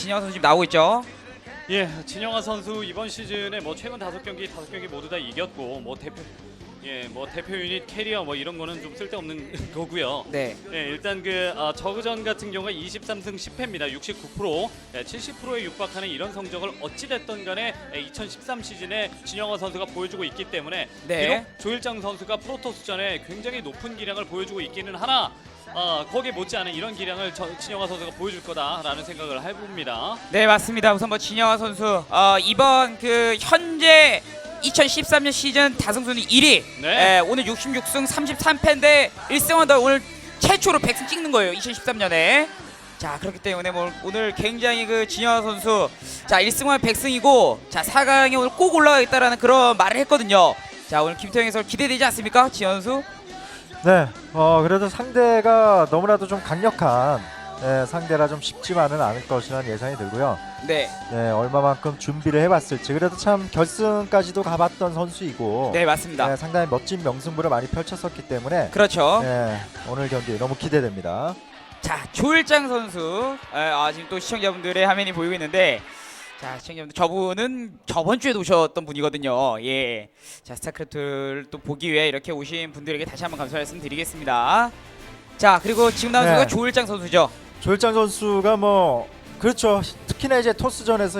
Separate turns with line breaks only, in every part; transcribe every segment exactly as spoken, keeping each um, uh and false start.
진영아 선수 지금 나오고 있죠.
예, 진영아 선수 이번 시즌에 뭐 최근 다섯 경기 다섯 경기 모두 다 이겼고 뭐 대표 예, 뭐 대표 유닛 캐리어 뭐 이런 거는 좀 쓸데없는 거고요.
네.
예, 일단 그 아, 저그전 같은 경우가 이십삼 승 십 패입니다. 육십구 퍼센트, 예, 칠십 퍼센트에 육박하는 이런 성적을 어찌 됐던 간에 예, 이천십삼 시즌에 진영아 선수가 보여주고 있기 때문에
네.
비록 조일장 선수가 프로토스전에 굉장히 높은 기량을 보여주고 있기는 하나 아, 거기에 못지않은 이런 기량을 저, 진영아 선수가 보여줄 거다라는 생각을 해봅니다.
네, 맞습니다. 우선 뭐 진영아 선수 어, 이번 그 현재 이천십삼 년 시즌 다승순위 일 위.
네.
예, 오늘 육십육 승 삼십삼 패인데 일 승원더 오늘 최초로 백 승 찍는 거예요. 이천십삼 년에. 자, 그렇기 때문에 뭐 오늘 굉장히 그 진영아 선수 자, 일 승만 백 승이고 자, 사 강에 오늘 꼭 올라가겠다라는 그런 말을 했거든요. 자, 오늘 김태형 해설 기대되지 않습니까? 진영아 선수?
네, 어 그래도 상대가 너무나도 좀 강력한 예, 상대라 좀 쉽지만은 않을 것이라는 예상이 들고요.
네.
네, 얼마만큼 준비를 해봤을지. 그래도 참 결승까지도 가봤던 선수이고,
네, 맞습니다.
네, 상당히 멋진 명승부를 많이 펼쳤었기 때문에,
그렇죠.
네, 오늘 경기 너무 기대됩니다.
자, 조일장 선수. 아, 지금 또 시청자분들의 화면이 보이고 있는데 자, 시청자분들 저분은 저번 주에도 오셨던 분이거든요. 예. 자, 스타크래프트를 또 보기 위해 이렇게 오신 분들에게 다시 한번 감사 말씀드리겠습니다. 자, 그리고 지금 나온
네.
선수가 조일장 선수죠.
조일장 선수가 뭐 그렇죠. 특히나 이제 토스전에서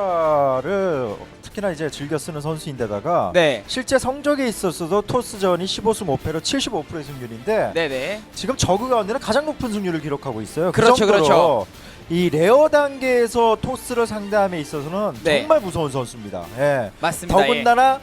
히드라를 특히나 이제 즐겨 쓰는 선수인데다가
네.
실제 성적에 있어서도 토스전이 십오 승 오 패로 칠십오 퍼센트의 승률인데
네, 네.
지금 저그 가운데는 가장 높은 승률을 기록하고 있어요. 그
그렇죠,
정도로
그렇죠.
이 레어 단계에서 토스를 상대함에 있어서는
네.
정말 무서운 선수입니다. 예.
맞습니다.
더군다나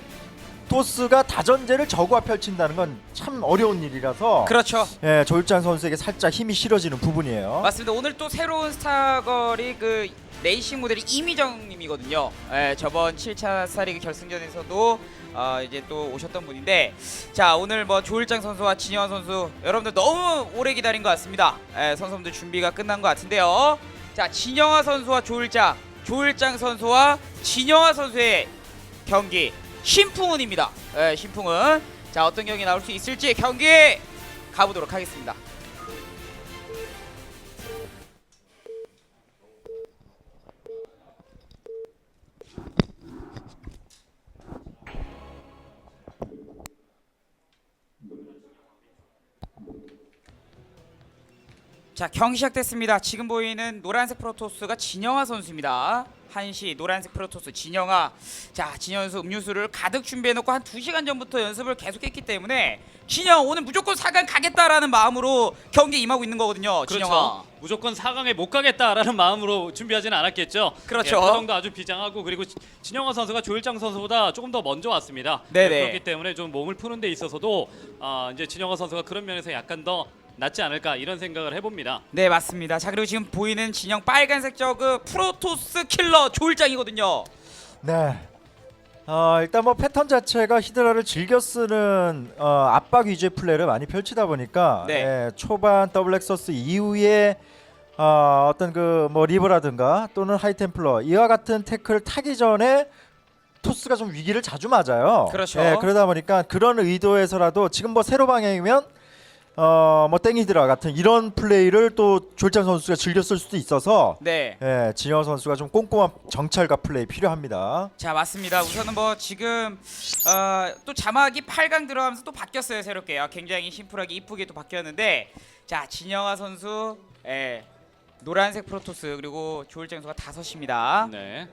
토스가 다전제를 저그와 펼친다는 건 참 어려운 일이라서
예. 그렇죠.
예, 조일장 선수에게 살짝 힘이 실어지는 부분이에요.
맞습니다. 오늘 또 새로운 스타걸이 그 레이싱 모델이 이미정 님이거든요. 예, 저번 칠 차 스타리그 결승전에서도 어, 이제 또 오셨던 분인데 자, 오늘 뭐 조일장 선수와 진영아 선수 여러분들 너무 오래 기다린 것 같습니다. 예, 선수분들 준비가 끝난 것 같은데요. 자, 진영아 선수와 조일장, 조일장 선수와 진영아 선수의 경기 신풍은입니다. 예, 신풍은 자, 어떤 경기 나올 수 있을지 경기 가보도록 하겠습니다. 자, 경기 시작됐습니다. 지금 보이는 노란색 프로토스가 진영아 선수입니다. 한시 노란색 프로토스 진영아. 자, 진영아 선수 음료수를 가득 준비해놓고 한 두 시간 전부터 연습을 계속했기 때문에 진영 오늘 무조건 사 강 가겠다라는 마음으로 경기에 임하고 있는 거거든요. 진영아.
그렇죠. 무조건 사 강에 못 가겠다라는 마음으로 준비하지는 않았겠죠.
그렇죠.
예, 표정도 아주 비장하고 그리고 지- 진영아 선수가 조일장 선수보다 조금 더 먼저 왔습니다.
네네.
예, 그렇기 때문에 좀 몸을 푸는 데 있어서도 아, 이제 진영아 선수가 그런 면에서 약간 더 낫지 않을까 이런 생각을 해봅니다.
네, 맞습니다. 자, 그리고 지금 보이는 진영 빨간색 저그 프로토스 킬러 조일장이거든요.
네. 어, 일단 뭐 패턴 자체가 히드라를 즐겨 쓰는 어, 압박 위주의 플레이를 많이 펼치다 보니까
네.
예, 초반 더블 엑서스 이후에 어, 어떤 그 뭐 리버라든가 또는 하이템플러 이와 같은 태클을 타기 전에 토스가 좀 위기를 자주 맞아요.
그렇죠.
예, 그러다 보니까 그런 의도에서라도 지금 뭐 세로 방향이면 어, 뭐 땡이드라 같은 이런 플레이를 또 조일장 선수가 즐겨 쓸 수도 있어서
네.
예, 진영 선수가 좀 꼼꼼한 정찰과 플레이 필요합니다.
자, 맞습니다. 우선은 뭐 지금 어, 또 자막이 팔 강 들어가면서 또 바뀌었어요. 새롭게. 아, 굉장히 심플하게 이쁘게 또 바뀌었는데 자, 진영아 선수 예, 노란색 프로토스 그리고 조일장 선수가 다섯입니다.
네.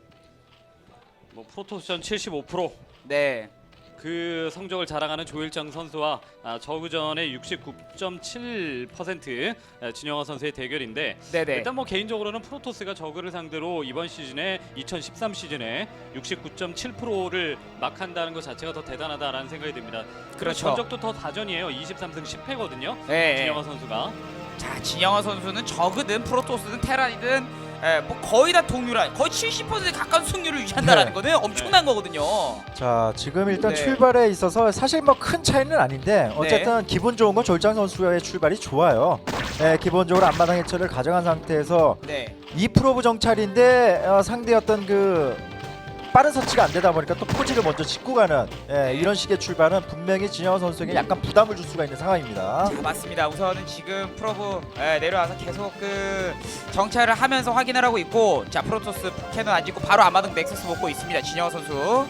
뭐 프로토스전 칠십오 퍼센트
네.
그 성적을 자랑하는 조일장 선수와 아, 저그전의 육십구 점 칠 퍼센트 아, 진영아 선수의 대결인데
네네.
일단 뭐 개인적으로는 프로토스가 저그를 상대로 이번 시즌에 이천십삼 시즌에 육십구 점 칠 퍼센트를 막한다는 것 자체가 더 대단하다라는 생각이 듭니다.
그렇죠.
전적도 더 다전이에요. 이십삼 승 십 패거든요.
네.
진영아 선수가.
자, 진영아 선수는 저그든 프로토스든 테란이든 예, 뭐 거의 다 동률한 거의 칠십 퍼센트 가까운 승률을 유지한다라는
네.
거는 엄청난 거거든요.
자, 지금 일단
네.
출발에 있어서 사실 뭐 큰 차이는 아닌데 어쨌든 기분 좋은 건 조일장 선수의 출발이 좋아요. 네, 기본적으로 앞마당 해처를 가져간 상태에서
네.
이 프로브 정찰인데 어, 상대 어떤 그 빠른 서치가 안 되다 보니까 또 포지를 먼저 짓고 가는 예, 이런 식의 출발은 분명히 진영호 선수에게 약간 부담을 줄 수가 있는 상황입니다.
자, 맞습니다. 우선은 지금 프로브 예, 내려와서 계속 그 정찰을 하면서 확인을 하고 있고, 자 프로토스 캐논 안 짓고 바로 아마동 넥서스 먹고 있습니다. 진영호 선수.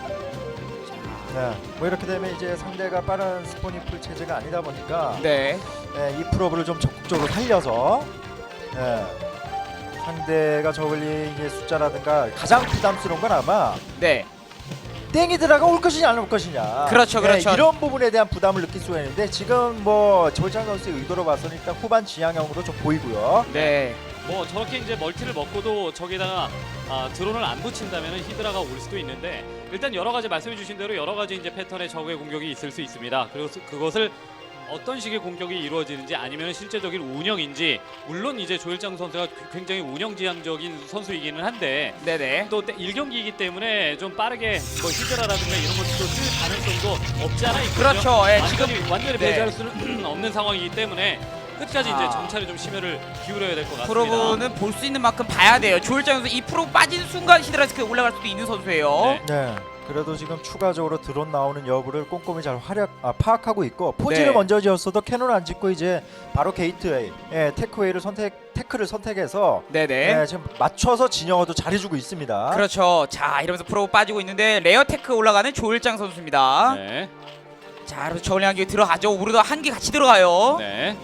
네, 뭐 이렇게 되면 이제 상대가 빠른 스포닝 풀 체제가 아니다 보니까
네.
예, 이 프로브를 좀 적극적으로 살려서 예, 상대가 저글링의 숫자라든가 가장 부담스러운 건 아마
네.
땡이 들어가 올 것이냐 안 올 것이냐.
그렇죠, 그렇죠.
예, 이런 부분에 대한 부담을 느낄 수가 있는데 지금 뭐 조일장 선수의 의도로 봐서는 일단 후반 지향형으로 좀 보이고요.
네.
뭐 저렇게 이제 멀티를 먹고도 저기다가 아, 드론을 안 붙인다면 히드라가 올 수도 있는데, 일단 여러 가지 말씀해주신 대로 여러 가지 이제 패턴의 적의 공격이 있을 수 있습니다. 그리고 스- 그것을 어떤 식의 공격이 이루어지는지 아니면 실제적인 운영인지, 물론 이제 조일장 선수가 굉장히 운영지향적인 선수이기는 한데
네네.
또 일 경기이기 때문에 좀 빠르게 뭐 히드라라든가 이런 것도 쓸 가능성도 없지 않아 있거든요.
그렇죠. 예,
완전히,
지금
완전히
네.
배제할 수는 없는 상황이기 때문에 끝까지
아.
이제 정찰에 좀 심혈을 기울여야 될 것 같습니다.
프로브는 볼 수 있는 만큼 봐야 돼요. 조일장 선수 이 프로 빠진 순간 히드라스크 올라갈 수도 있는 선수예요.
네.
네. 그래도 지금 추가적으로 드론 나오는 여부를 꼼꼼히 잘 활약, 아, 파악하고 있고 포지를
네.
먼저 지었어도 캐논 안 짓고 이제 바로 게이트웨이, 예, 테크웨이를 선택, 테크를 선택해서
네네.
예, 지금 맞춰서 진영어도 잘해주고 있습니다.
그렇죠. 자 이러면서 프로브 빠지고 있는데 레어테크 올라가는 조일장 선수입니다.
네.
자 그래서 저울링 한개 들어가죠. 우리도 한 개 같이 들어가요.
네.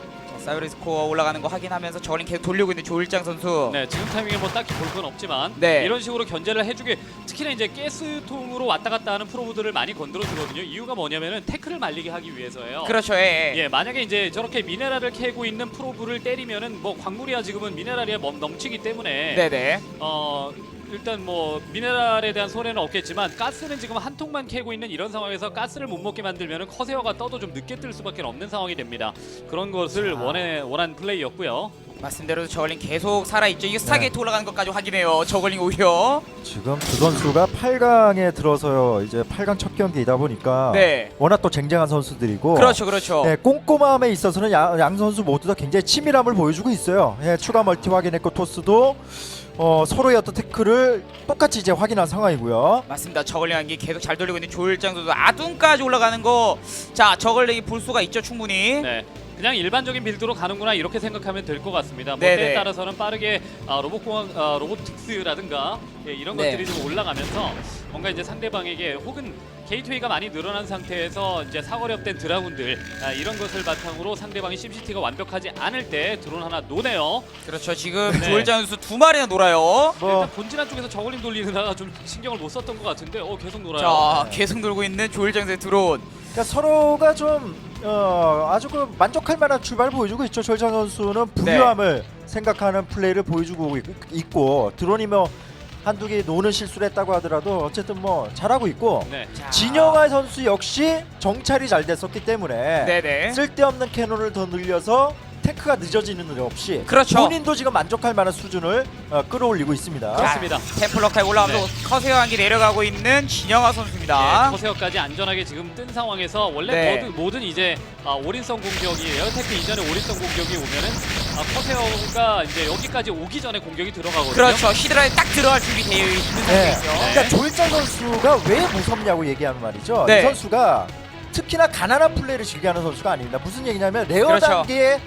자, 사이버리 스코어 올라가는 거 확인하면서 저울링 계속 돌리고 있는 조일장 선수.
네, 지금 타이밍에 뭐 딱히 볼 건 없지만
네.
이런 식으로 견제를 해주게, 특히나 이제 가스통으로 왔다 갔다 하는 프로브들을 많이 건드려 주거든요. 이유가 뭐냐면은 태클을 말리게 하기 위해서예요.
그렇죠. 예.
예, 만약에 이제 저렇게 미네랄을 캐고 있는 프로브를 때리면은 뭐 광물이야 지금은 미네랄이 넘- 넘치기 때문에
네네.
어 일단 뭐 미네랄에 대한 손해는 없겠지만 가스는 지금 한 통만 캐고 있는 이런 상황에서 가스를 못 먹게 만들면은 커세어가 떠도 좀 늦게 뜰 수밖에 없는 상황이 됩니다. 그런 것을
자.
원해 원한 플레이였고요.
말씀대로 저글링 계속 살아있죠. 이게 스타게이트
네.
올라가는 것까지 확인해요. 저글링 오히려.
지금 두 선수가 팔 강에 들어서요. 이제 팔 강 첫 경기이다 보니까
네.
워낙 또 쟁쟁한 선수들이고
그렇죠. 그렇죠.
네, 꼼꼼함에 있어서는 양, 양 선수 모두 다 굉장히 치밀함을 보여주고 있어요. 예, 추가 멀티 확인했고 토스도 어, 서로의 어떤 태클을 똑같이 이제 확인한 상황이고요.
맞습니다. 저글링 한개 계속 잘 돌리고 있는 조일장 선수. 아둔까지 올라가는 거. 자 저글링이 볼 수가 있죠. 충분히.
네. 그냥 일반적인 빌드로 가는구나 이렇게 생각하면 될 것 같습니다. 뭐
네네.
때에 따라서는 빠르게 아, 로봇공학, 아, 로보틱스라든가 예, 이런
네.
것들이 좀 올라가면서 뭔가 이제 상대방에게, 혹은 게이트웨이가 많이 늘어난 상태에서 이제 사거리 업된 드라군들 아, 이런 것을 바탕으로 상대방이 심시티가 완벽하지 않을 때 드론 하나 노네요.
그렇죠. 지금
네.
조일장 선수 두 마리나 놀아요.
뭐
일단 본진한 쪽에서 저글링 돌리느라 좀 신경을 못 썼던 것 같은데 어 계속 놀아요.
자
네.
계속 놀고 있는 조일장 선수의 드론.
그러니까 서로가 좀 어, 아주 그 만족할 만한 출발을 보여주고 있죠. 조일장 선수는 부유함을 생각하는 플레이를 보여주고 있- 있고 드론이 뭐 한두 개 노는 실수를 했다고 하더라도 어쨌든 뭐 잘하고 있고
네.
자.
진영아 선수 역시 정찰이 잘 됐었기 때문에
네네.
쓸데없는 캐논을 더 늘려서 테크가 늦어지는 일 없이
그렇죠.
본인도 지금 만족할 만한 수준을 어, 끌어올리고 있습니다.
자, 그렇습니다.
템플러카에 올라가면서
네.
커세어 한기 내려가고 있는 진영아 선수입니다.
예, 커세어까지 안전하게 지금 뜬 상황에서 원래
네.
모든, 모든 이제 아, 올인성 공격이, 에어테크 이전에 올인성 공격이 오면은 아, 커세어가 이제 여기까지 오기 전에 공격이 들어가거든요.
그렇죠. 히드라에 딱 들어갈 준비 되어 있는
네.
상태이죠.
그러니까 조일장 선수가 왜 무섭냐고 얘기하면 말이죠.
네.
이 선수가 특히나 가난한 플레이를 즐겨하는 선수가 아닙니다. 무슨 얘기냐면 레어
그렇죠.
단계에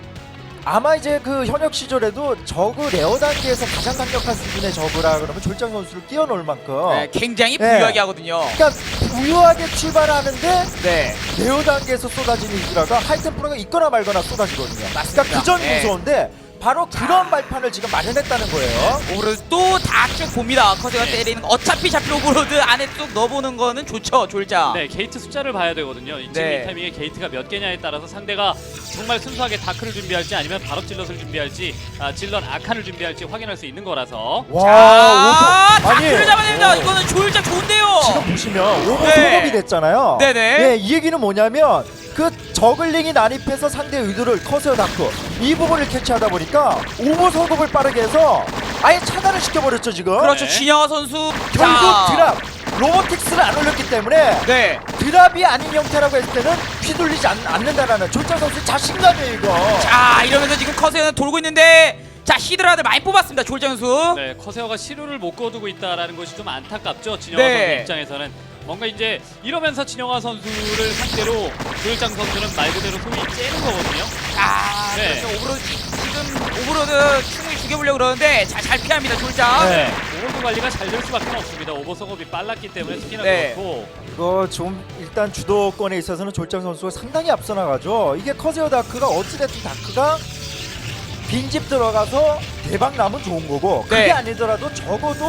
아마 이제 그 현역 시절에도 저그 레어 단계에서 가장 강력한 수준의 저그라 그러면 조일장 선수를 끼워놓을 만큼
네, 굉장히
네.
부유하게 하거든요.
그러니까 부유하게 출발하는데
네.
레어 단계에서 쏟아지는 이드라가 하이템플러가 있거나 말거나 쏟아지거든요.
맞습니다.
그러니까 그 점이
네.
무서운데 바로 그런 발판을 지금 마련했다는 거예요.
오브로드 또 다 쭉 봅니다. 커세가
네.
때리는 거. 어차피 잡힐 오브로드 안에 쭉 넣어보는 거는 좋죠. 조일장.
네, 게이트 숫자를 봐야 되거든요. 지금
네.
이 타이밍에 게이트가 몇 개냐에 따라서 상대가 정말 순수하게 다크를 준비할지 아니면 바로 질럿을 준비할지, 아, 질럿 아칸을 준비할지 확인할 수 있는 거라서.
와,
자,
오버. 아니,
다크를 잡아냅니다.
어.
이거는 조일장 좋은데요.
지금 보시면 오버
네.
소급이 됐잖아요.
네네.
네, 이 얘기는 뭐냐면 그 저글링이 난입해서 상대 의도를 커세어 다크 이 부분을 캐치하다 보니까 오버 소급을 빠르게 해서 아예 차단을 시켜버렸죠 지금.
그렇죠.
네.
진영아 선수.
결국
자.
드랍 로보틱스를 안 올렸기 때문에
네.
드랍이 아닌 형태라고 했을 때는 휘둘리지 않, 않는다라는 조일장 선수의 자신감이에요 이거.
자 이러면서 지금 커세어는 돌고 있는데 자 히드라들 많이 뽑았습니다 조일장 선수.
네, 커세어가 시료를 못 거두고 있다라는 것이 좀 안타깝죠. 진영아
네.
선수 입장에서는 뭔가 이제 이러면서 진영아 선수를 상대로 조일장 선수는 말 그대로 소위 째는 거거든요.
아
네.
그렇죠. 오브로드 지금 오브로드 충분히 죽여보려고 그러는데 잘, 잘 피합니다 조일장.
네.
오버도 관리가 잘 될 수밖에 없습니다. 오버 속업이 빨랐기 때문에 특히나
네.
그렇고.
이거 좀 일단 주도권에 있어서는 졸장 선수가 상당히 앞서 나가죠. 이게 커세어 다크가 어찌됐든 다크가 빈집 들어가서 대박 나면 좋은 거고 그게
네.
아니더라도 적어도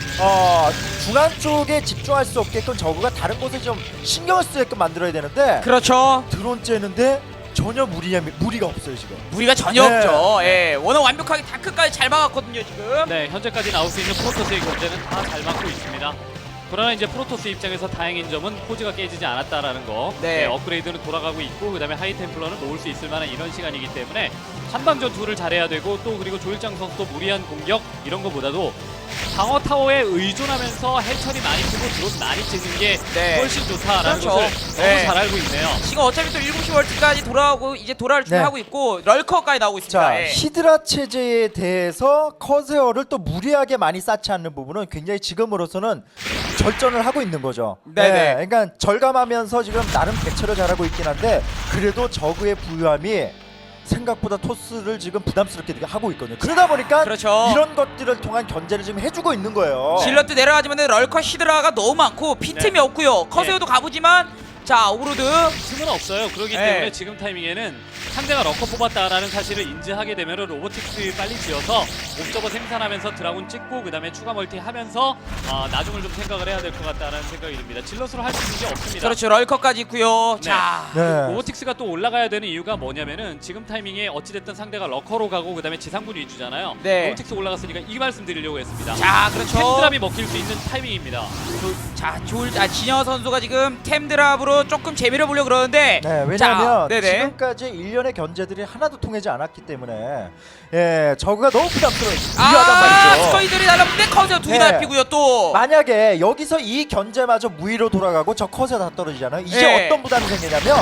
어, 중앙 쪽에 집중할 수 없게끔 저그가 다른 곳에 좀 신경을 쓰게끔 만들어야 되는데
그렇죠.
드론 째는데 전혀 무리, 무리가 없어요 지금.
무리가 전혀
네.
없죠. 예, 워낙 완벽하게 다크까지 잘 막았거든요 지금.
네, 현재까지 나올 수 있는 프로토스의 견제는 다 잘 막고 있습니다. 그러나 이제 프로토스 입장에서 다행인 점은 포즈가 깨지지 않았다라는 거.
네.
네, 업그레이드는 돌아가고 있고 그다음에 하이템플러는 모을 수 있을 만한 이런 시간이기 때문에 한방 전투를 잘해야 되고 또 그리고 조일장 선수도 무리한 공격 이런 거보다도 방어 타워에 의존하면서 해처리 많이 쓰고 드론 많이 찍는 게
네.
훨씬 좋다라는
그렇죠.
것을
네.
너무 잘 알고 있네요.
지금 어차피 또 일곱 시 월트까지 돌아오고 이제 돌아올 준비하고 있고 럴커까지 나오고 있습니다.
자
예.
히드라 체제에 대해서 커세어를 또 무리하게 많이 쌓지 않는 부분은 굉장히 지금으로서는 절전을 하고 있는 거죠.
네네.
그러니까 절감하면서 지금 나름 대처를 잘하고 있긴 한데 그래도 저그의 부유함이 생각보다 토스를 지금 부담스럽게 하고 있거든요. 그러다 보니까
그렇죠.
이런 것들을 통한 견제를 지금 해주고 있는 거예요.
질럿도 내려가지만 럴커 히드라가 너무 많고 피틈이
네.
없고요. 커세어도 가보지만 자 오브로드
틈은 없어요. 그렇기
네.
때문에 지금 타이밍에는 상대가 럭커 뽑았다라는 사실을 인지하게 되면 로보틱스 빨리 지어서 옵저버 생산하면서 드라군 찍고 그 다음에 추가 멀티 하면서 아, 나중을 좀 생각을 해야 될 것 같다는 생각이 듭니다. 질럿으로 할 수 있는 게 없습니다.
그렇죠. 럴커까지 있고요.
네.
자
네.
로보틱스가 또 올라가야 되는 이유가 뭐냐면은 지금 타이밍에 어찌됐든 상대가 럭커로 가고 그 다음에 지상군 위주잖아요.
네.
로보틱스 올라갔으니까 이 말씀 드리려고 했습니다.
자, 그렇죠.
템드랍이 먹힐 수 있는 타이밍입니다.
조, 자 조일 아 진여 선수가 지금 템 드랍으로 조금 재미를 보려 고 그러는데
네, 왜냐하면
자, 네네.
지금까지 일련의 견제들이 하나도 통하지 않았기 때문에 예, 저그가 너무 부담스러워요.
아
무리하단 말이죠.
스커이들이 날라붙는데 커세어 두개
네.
날피고요 또.
만약에 여기서 이 견제마저 무위로 돌아가고 저 컷에 다 떨어지잖아요. 이제
네.
어떤 부담이 생기냐면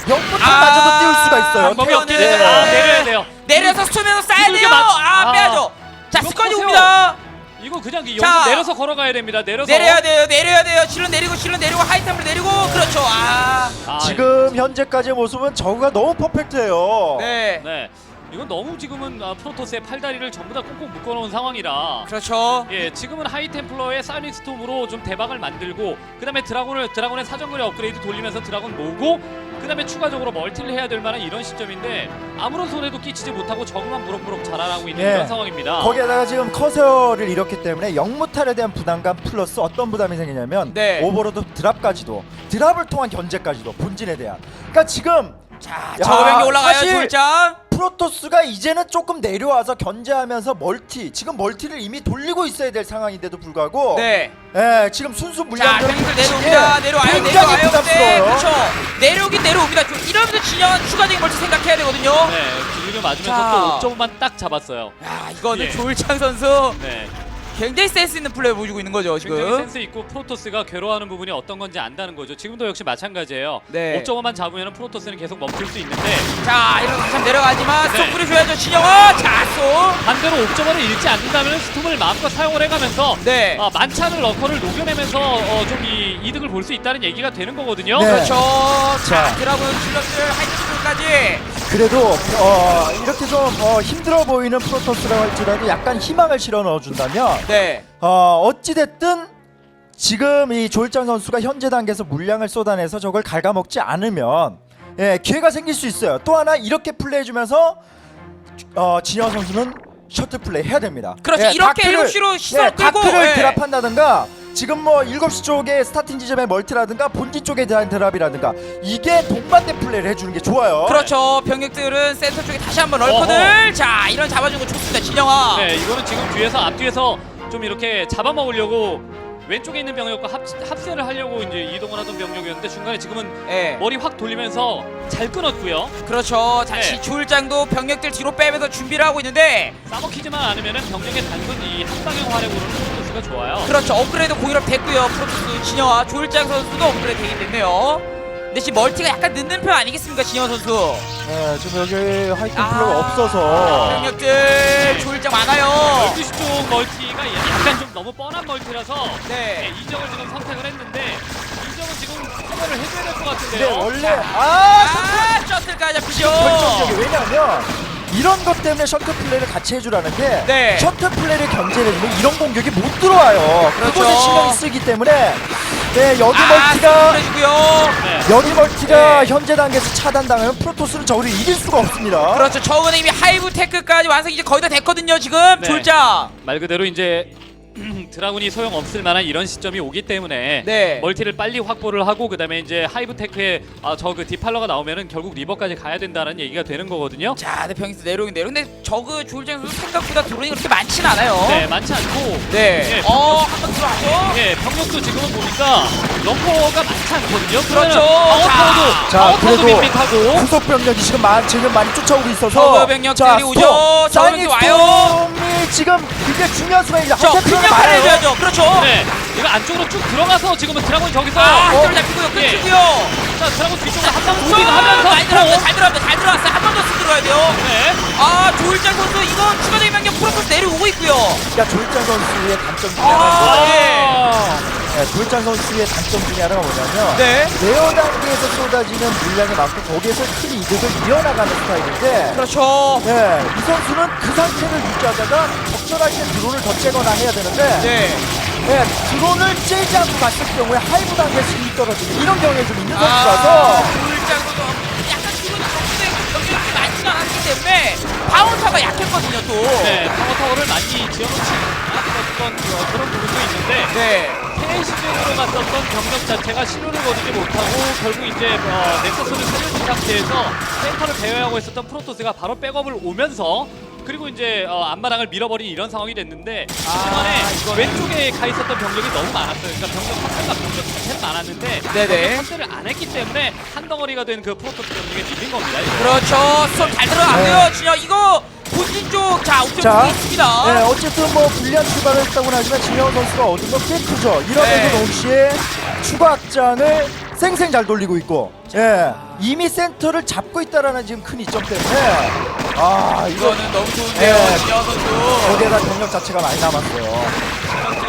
영부터마저도
아,
띄울 수가 있어요.
방법이
태연은-
없긴 해요. 아, 내려야 돼요.
내려서 수면으로 쏴야
이거
돼요.
맞-
아,
아.
빼야죠. 자
이거
스커이
커세어.
옵니다.
이거 그냥 이
자.
여기서 내려서 걸어가야 됩니다. 내려서
내려야 돼요. 내려야 돼요. 실은 내리고 실은 내리고 하이템을 내리고 그렇죠. 아.
아,
지금 현재까지의 모습은 저그가 너무 퍼펙트해요.
네.
네. 이건 너무 지금은 아, 프로토스의 팔다리를 전부 다 꽁꽁 묶어놓은 상황이라
그렇죠.
예, 지금은 하이템플러의 사이닉 스톰으로 좀 대박을 만들고 그 다음에 드라곤을 드라곤의 사정거리 업그레이드 돌리면서 드라곤 모으고 그 다음에 추가적으로 멀티를 해야 될 만한 이런 시점인데 아무런 손해도 끼치지 못하고 저그만 무럭무럭 자라나고 있는
예.
이런 상황입니다.
거기에다가 지금 커세어를 잃었기 때문에 영무탈에 대한 부담감 플러스 어떤 부담이 생기냐면
네.
오버로드 드랍까지도 드랍을 통한 견제까지도 본진에 대한 그러니까 지금
자,
야,
저병이 올라가요.
사실-
졸장.
프로토스가 이제는 조금 내려와서 견제하면서 멀티 지금 멀티를 이미 돌리고 있어야 될 상황인데도 불구하고
네.
예, 지금 순수
자,
물량
병들 내려옵니다. 내려와요.
굉장히
내려와요. 네,
부담스러워요.
그렇죠. 내려오긴 내려옵니다. 좀 이러면서 진영은 추가적인 멀티 생각해야 되거든요.
네, 길을 맞으면서
자.
또 오 점만 딱 잡았어요.
야, 이거는
예.
조일창 선수
네,
굉장히 센스 있는 플레이 보여주고 있는 거죠,
굉장히
지금.
센스 있고 프로토스가 괴로워하는 부분이 어떤 건지 안다는 거죠. 지금도 역시 마찬가지예요.
네.
오 점만 잡으면 프로토스는 계속 멈출 수 있는데
자, 이러면서 참 내려가지만
네.
쏙 뿌려줘야죠, 진영아. 자, 쏙.
반대로 오 점을 잃지 않는다면 스톰을 마음껏 사용을 해가면서
네.
아, 많지않은 러커를 녹여내면서 어, 좀 이 이득을 볼 수 있다는 얘기가 되는 거거든요.
네.
그렇죠. 자,
자.
드라군 실력들 하이트까지.
그래도 어, 이렇게 좀 어, 힘들어 보이는 프로토스라고 할지라도 약간 희망을 실어 넣어준다면
네.
어, 어찌됐든 지금 이 조일장 선수가 현재 단계에서 물량을 쏟아내서 저걸 갉아먹지 않으면 예, 기회가 생길 수 있어요. 또 하나 이렇게 플레이해주면서 어, 진영 선수는 셔틀 플레이 해야 됩니다.
그렇죠.
예,
이렇게
다크를-
일곱 시로 시선
예,
끌고,
다크를
예.
드랍한다든가 지금 뭐 일곱 시 쪽에 스타팅 지점의 멀티라든가 본진 쪽에 대한 드랍이라든가 이게 동반대 플레이를 해주는 게 좋아요.
그렇죠. 병력들은 센터 쪽에 다시 한번 럴커들. 자, 이런 잡아주는 거 좋습니다, 진영아.
네, 이거는 지금 뒤에서 앞뒤에서 좀 이렇게 잡아먹으려고 왼쪽에 있는 병력과 합, 합세를 하려고 이제 이동을 하던 병력이었는데 중간에 지금은
예.
머리 확 돌리면서 잘 끊었고요.
그렇죠. 다시
네.
조일장도 병력들 뒤로 빼면서 준비를 하고 있는데
싸먹히지만 않으면은 병력의 단순 이 한방향 활약으로는 프로토스가 좋아요.
그렇죠. 업그레이드 공일업 됐고요. 프로토스 진영아 조일장 선수도 업그레이드 되긴 됐네요. 근데 지금 멀티가 약간 늦는 편 아니겠습니까, 진영 선수?
네, 지금 여기 하이템플러가
아,
없어서
병력들 조일장 많아요.
열두 시 쪽 멀티가 약간 좀 너무 뻔한 멀티라서 네,
네.
이정을 지금 선택을 했는데 이정은 지금 커버를 해줘야 될 것
네,
같은데요.
원래 아
아, 셔틀까지 잡히죠.
결정적이 왜냐하면 이런 것 때문에 셔틀 플레이를 같이 해주라는 게
네.
셔틀 플레이를 견제를 해주면 이런 공격이 못 들어와요.
그렇죠.
그것에 신경 쓰기 때문에 네 여기
아,
멀티가
해주고요.
네.
여기 멀티가
네.
현재 단계에서 차단당하면 프로토스는 저를 이길 수가 없습니다.
그렇죠. 저거는 이미 하이브 테크까지 완성 이제 거의 다 됐거든요. 지금
네.
졸장.
말 그대로 이제 드라군이 소용 없을 만한 이런 시점이 오기 때문에
네.
멀티를 빨리 확보를 하고 그다음에 이제 하이브 테크에 아, 저 그 디팔러가 나오면은 결국 리버까지 가야 된다는 얘기가 되는 거거든요.
자, 네, 병에서 내려오긴데요. 근데 저그 졸장 선수 생각보다 드론이 그렇게 많진 않아요.
네, 많지 않고
네.
예,
어, 한번 들어가죠.
예, 병력도 지금은 보니까 럼퍼가 많지 않거든요.
그렇죠.
아웃타워도
자,
아웃타워도
그래도
밋밋하고
후속 병력이 지금 많 지금 많이 쫓아오고 있어서
저그 병력들이 오죠. 저그도 와요.
사이닉스톰이 지금 굉장히 중요한 순간이죠.
저
한테
근력
많아요.
하나 해줘야죠. 그렇죠.
네, 이거 안쪽으로 쭉 들어가서 지금은 드라곤 저기서
아,
어,
한쪽을 잡히고요.
예.
끊기고요.
자, 드라곤 뒤쪽으로 한방
아,
무빙 하면서
많이 들어갑니다.
스톱.
잘 들어갑니다. 잘 들어갔어요. 한 번 더 쓰 들어야 돼요.
네.
아, 조일장 선수 이건 추가적인 명령 프로토스 내려오고 있고요.
그러니까 조일장 선수의 단점 중에
아,
하나가
예.
네, 조일장 선수의 단점 중에 하나가 뭐냐면
네.
레어 단계에서 쏟아지는 물량이 많고 거기에서 큰 이득을 이어나가는 스타일인데
그렇죠.
네, 이 선수는 그 상태를 유지하다가 적절할 때 드론을 더 째거나 해야 되는데
네.
네, 드론을 째지 않고 갔을 경우에 하이브 단계에서 힘이 떨어지는 이런 경우에 좀 있는
아,
선수라서
조일장 선수 약간 기분이 적대 경기력이 많지가 않기 때문에 바운서가 약했거든요 또.
네, 파워타워를 많이 지어놓지 않았었던 그- 그런 부분도 있는데
네.
새 시즌으로 갔었던 병력 자체가 신호를 거두지 못하고 결국 이제 어, 넥서스를 살려준 상태에서 센터를 배회하고 있었던 프로토스가 바로 백업을 오면서 그리고 이제 어, 앞마당을 밀어버린 이런 상황이 됐는데 그동안에
이거는-
왼쪽에 가 있었던 병력이 너무 많았어요. 그러니까 병력 확대가 병력 자체는 많았는데
네네.
확대를 안 했기 때문에 한 덩어리가 된 그 프로토스 병력에 밀린 겁니다. 이거.
그렇죠. 수업 잘 들어갔고요. 진영 이거 본진 쪽 자 옵션
자,
쪽에 있습니다.
네, 어쨌든 뭐 불리한 출발을 했다고는 하지만 진영 선수가 얻은 건 꽤 크죠. 이러면서
네.
동시에 추가 확장을 쌩쌩 잘 돌리고 있고, 예, 이미 센터를 잡고 있다라는 지금 큰 이점 때문에 아 이거
이거는 너무 좋은데요.
네.
진영 선수.
거기에다 병력 자체가 많이 남았어요.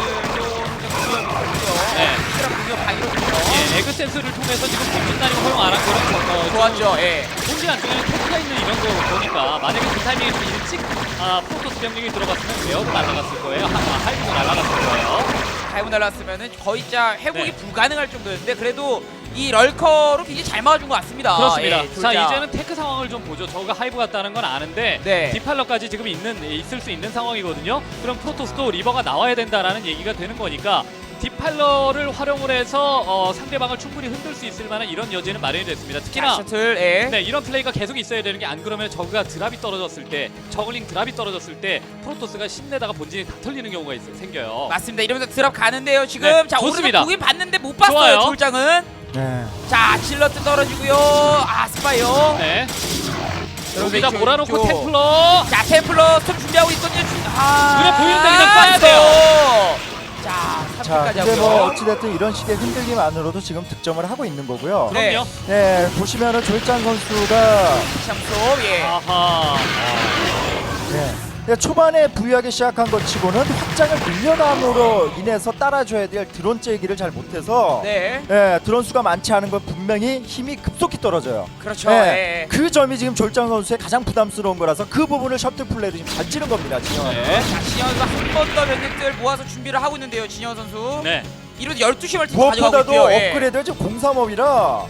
네.
공격 방위로군요.
예, 에그 센스를 통해서 지금 공진 단위가 허용 안 한 거는 어,
좋았죠. 예.
본진 안쪽에는 테크가 있는 이런 거 보니까 만약에 그 타이밍에 좀 일찍 아, 프로토스 병력이 들어갔으면 레어도 날아갔을 거예요. 하, 아, 하이브도 날아갔을 거예요.
하이브 날랐으면은 거의 진짜 회복이
네.
불가능할 정도였는데 그래도 이 럴커로 굉장히 잘 막아준 것 같습니다.
그렇습니다.
예,
자,
졸자.
이제는 테크 상황을 좀 보죠. 저가 하이브 같다는 건 아는데
네.
디팔러까지 지금 있는 있을 수 있는 상황이거든요. 그럼 프로토스도 리버가 나와야 된다라는 얘기가 되는 거니까 디팔러를 활용을 해서 어, 상대방을 충분히 흔들 수 있을 만한 이런 여지는 마련이 됐습니다.
자,
특히나
셔틀. 예.
네, 이런 플레이가 계속 있어야 되는 게 안 그러면 저그가 드랍이 떨어졌을 때 저글링 드랍이 떨어졌을 때 프로토스가 신내다가 본진이 다 털리는 경우가 있어요. 생겨요.
맞습니다. 이러면서 드랍 가는데요. 지금
네,
자
좋습니다.
오른쪽 보긴 봤는데 못 봤어요.
좋아요.
졸장은.
네.
자 질러트 떨어지고요. 아 스파이어.
네.
여러분,
여기다
이쪽,
몰아놓고
이쪽.
템플러.
자 템플러 스톱 준비하고 있거든요. 아,
눈에 보이는데 그냥 쏴야 돼요.
자
자,
삼 킬까지
근데 뭐
하고요.
어찌됐든 이런 식의 흔들림만으로도 지금 득점을 하고 있는 거고요.
네.
그럼요.
네, 보시면은 조일장 선수가
샴소 예.
아하.
네. 근데 초반에 부유하게 시작한 것 치고는 확장을 늘려남으로 인해서 따라줘야 될 드론 째기를 잘 못해서
네.
네, 드론 수가 많지 않은 건 분명히 힘이 급속히 떨어져요.
그렇죠.
네,
예.
그 점이 지금 졸장 선수의 가장 부담스러운 거라서 그 부분을 셔틀 플레이로 지금 잘 찌른 겁니다. 지금.
네.
자 진영 선수 한 번 더 병력들 모아서 준비를 하고 있는데요. 진영 선수.
네.
이로도 열두 시 멀티 가져가고
무엇보다도
있고요. 예.
업그레이드가 지금 공삼업이라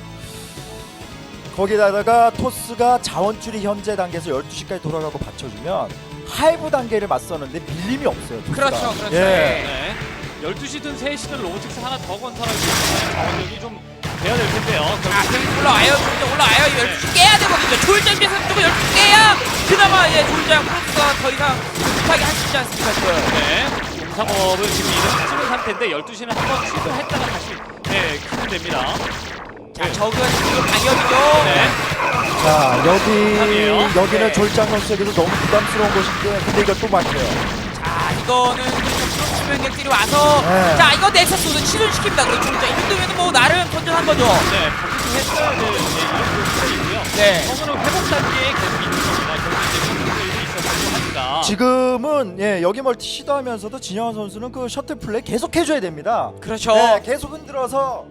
거기다가 토스가 자원줄이 현재 단계에서 열두 시까지 돌아가고 받쳐주면 하이브 단계를 맞서는데 밀림이 없어요. 토스가.
그렇죠. 그렇죠.
예.
예.
네. 열두 시든 세 시든 로보틱스 하나 더 건설하기 위해서 자원력이 좀 돼야 될 텐데요.
자,
결국
병이 올라와요. 졸장 올라와요. 이거 열두 시 깨야 되거든요. 졸장 비해서 무조건 열두 시 깨야 그나마 이제 졸장 프로스가 더 이상 급하게 할 수 있지 않습니까 지금.
네. 공삼업을 지금 이름 찍은 상태인데 열두 시는 한번 취소했다가 다시 네, 키면 됩니다.
자, 저그가 지금 방역이죠.
네.
자 여기
부담이에요.
여기는
네.
졸장 선수에게도 너무 부담스러운 곳인데 근데 이걸 또 막혀요.
자, 이거는 그렇죠. 수명력들이 와서
네.
자 이거 넥서스도 치료시킵니다. 그렇죠. 자, 이 정도면 뭐 나름 건전한 거죠.
네, 반드시 했어야 될 네, 이런 플레이고요.
네.
저거는 회복 단계에 계속 있는 겁니다. 결국 이제 그런 플레이도 있었고 하니까.
지금은 예, 여기 멀티 시도하면서도 진영환 선수는 그 셔틀 플레이 계속 해줘야 됩니다.
그렇죠.
네, 계속 흔들어서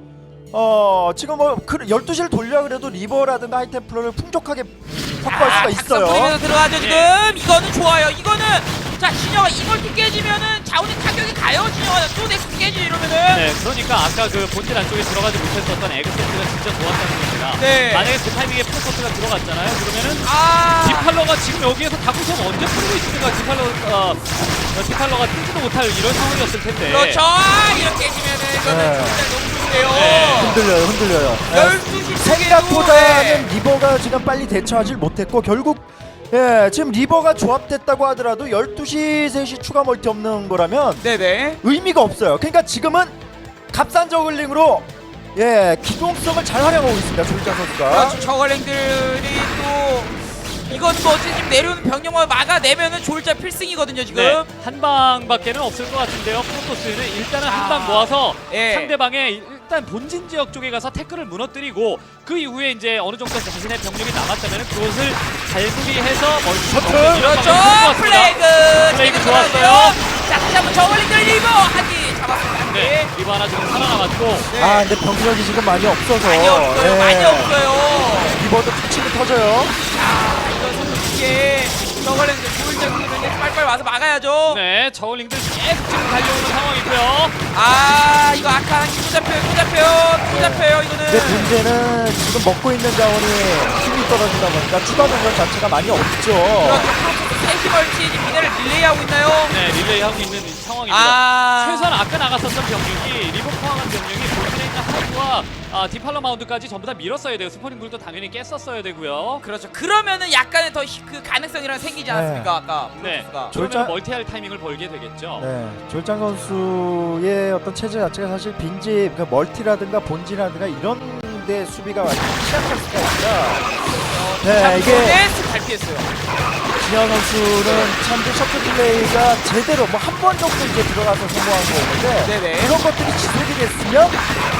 어 지금 뭐 그 열두 시를 돌려 그래도 리버라든가 하이템플러를 풍족하게 확보할 수가 있어요.
작성 들어가죠 지금.
네.
이거는 좋아요. 이거는 자 진영아 이멀티 깨지면은 자원이 타격이 가요. 진영아 또 넥서스 깨지 이러면은.
네, 그러니까 아까 그 본질 안쪽에 들어가지 못했었던 에그센트가 진짜 좋았다는 겁니다.
네.
만약에 그 타이밍에 프로토스가 들어갔잖아요. 그러면은
아.
디팔러가 지금 여기에서 다구섬 언제 풀고 있습니까? 디팔러, 어, 어, 디팔러가 뛰지도 못할 이런 상황이었을 텐데.
그렇죠. 이렇게 깨지면은 이거는
네.
진짜 너무 좋네요.
네.
흔들려요, 흔들려요. 네.
열두 시
생각보다는 리버가 지금 빨리 대처하지 못했고 결국 예 지금 리버가 조합됐다고 하더라도 열두 시, 세 시 추가 멀티 없는 거라면
네네.
의미가 없어요. 그러니까 지금은 값싼 저글링으로 예 기동성을 잘 활용하고 있습니다. 조일장 선수가.
그렇죠. 저걸랭들이 또 이건 뭐 어쨌든 지금 내려오는 병력만 막아내면은 졸자 필승이거든요 지금.
네, 한 방밖에는 없을 것 같은데요. 프로토스는 일단은 한 방
아.
모아서
예.
상대방의 일단 본진 지역 쪽에 가서 태클을 무너뜨리고 그 이후에 이제 어느 정도 자신의 병력이 남았다면 그것을 잘 수비해서 멀티 셔틀
그렇죠. 플레이그.
플레이그
제대로
좋았어요.
들어갔고요. 자 다시 한번 저걸랭들 리버 하기 잡았습니다.
네, 리버 하나 지금 살아남았고
네.
아 근데 병력이 지금 많이 없어서
많이 없어요.
예.
많이 없어요.
리버도 터치고 터져요.
자 이거 이게 저걸랭들 조일장님은 빨빨 와서 막아야죠.
네, 저울링들 계속 지금 달려오는 상황이고요.
아 이거 아까 또 잡혀요. 또 잡혀요. 또 잡혀요.
근데
이거는.
문제는 지금 먹고 있는 자원이 힘이 떨어지다 보니까 추가 병력 자체가 많이 없죠.
그렇죠. 세시 멀티 미네를 릴레이하고 있나요?
네, 릴레이하고 있는 상황입니다.
아
최소한 아까 나갔었던 병력이 리버 포함한 병력이 본진에 있는 하이와 아, 디팔러 마운드까지 전부 다 밀었어야 돼요. 스포닝불도 당연히 깼었어야 되고요.
그렇죠. 그러면은 약간의 더 그 가능성이랑 생기지 않았습니까? 아까
네,
프로토스가.
졸자-
그러면 멀티할 타이밍을 벌게 되겠죠.
네, 조일장 선수의 어떤 체제 자체가 사실 빈집, 그 멀티라든가 본진이라든가 이런 데 수비가 완전 취약할 수가 있다. 네, 이게
네스 잘 피했어요.
진현 선수는 참 그 셔틀 플레이가 제대로 뭐 한 번 정도 이제 들어가서 성공한 거였는데
네네.
그런 것들이 지속이 됐으면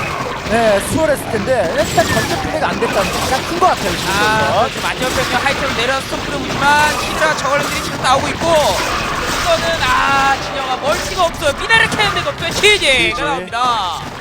네, 수월했을 텐데 일단 전체 플레이가 안 됐다는 게 가장 큰 것 같아요. 지금
아,
보면.
그렇죠. 만년병력 하이템 내려서 스톰프를 보지만 히드라 저걸들이 지금 나오고 있고 이거는 아 진영아 멀티가 없어요. 미나를 캐는 데가 없어요. 지지가
지지.
나옵니다.